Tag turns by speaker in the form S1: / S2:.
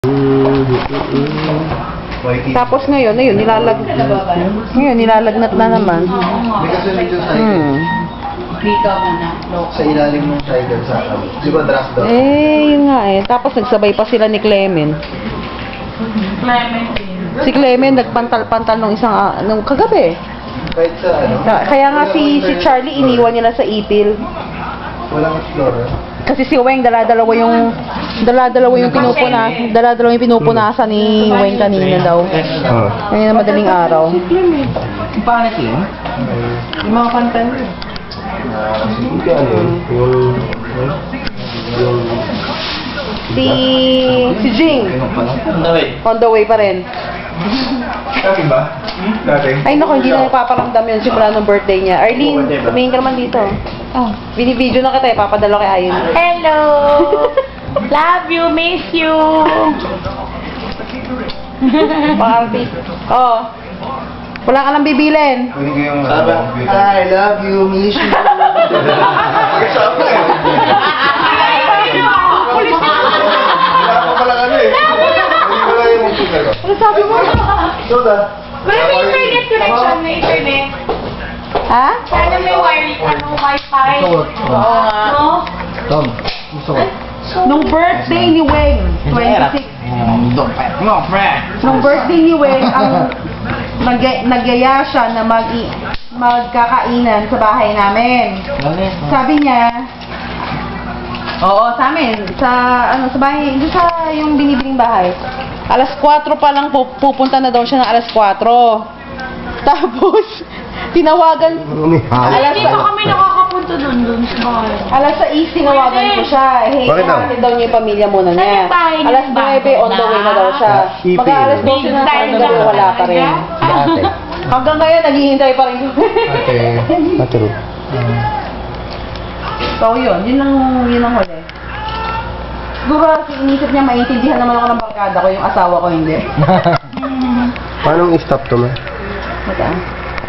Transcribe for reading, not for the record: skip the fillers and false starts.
S1: Tapos ngayon, nilalagnat na naman.
S2: May kasunod yung cycle.
S3: Dito muna.
S2: Sa ilalim ng cycle sa akin. Di ba drop down?
S1: Yun nga eh. Tapos nagsabay pa sila ni Clement. Si Clement nagpantal-pantal nung nung kagabi.
S2: Kahit sa ano?
S1: Kaya nga si Charlie iniwan niya na sa ipil.
S2: Walang explorer.
S1: Kasi si Weng dala-dalawa yung pinupunasan ni Weng kanina daw. Kanina madaling araw.
S3: Paano yun? Yung mga kanta nyo.
S2: Hindi ano yun?
S1: Si Jing. On the way pa rin.
S2: Dati ba? Dati?
S1: Ay naku, hindi na ipaparamdam yun simula ng birthday niya. Arlene, tumingin ka naman dito. Binibideo na kita, ipapadala kay Ayon.
S3: Hello! Love you, miss you!
S1: Pang-artist. Wala ka nang bibilin.
S2: Pwede ko yung I love you, miss you. Wala pa pala ano eh. Hindi ko lang yung musical ko.
S1: Ano sabi mo?
S2: Soda.
S3: Wala may internet connection na internet.
S1: Ha?
S3: Sana may wifi.
S2: Oo
S1: nga.
S3: No?
S2: Tom, gusto ko.
S1: Nung birthday ni Weng, 26. Nung birthday ni Weng, ang nagyaya siya na magkakainan sa bahay namin. Sabi niya, sa amin, sa bahay, doon sa yung binibiling bahay. Alas 4 pa lang pupunta na daw siya ng alas 4. Tapos, tinawagan,
S3: Hindi pa kami nakakapunta dun sa bahay.
S1: alas 6 tinawagan ko siya. Hey,
S2: Bakit daw?
S1: ihatid daw niya yung pamilya muna
S3: Saan
S1: niya.
S3: yung bahay niya?
S1: Alas 9 on the way na daw siya.
S2: Ipil.
S1: Mga alas 12 na parang gabi, wala pa rin.
S2: Dati.
S1: Hanggang ngayon, naghihintay pa rin.
S2: Ate.
S1: So, yun ang huli. Siguro, inisip niya, maintindihan naman ako ng barkada ko, yung asawa ko hindi.
S2: Paano i-stop to, ma?
S1: Mata.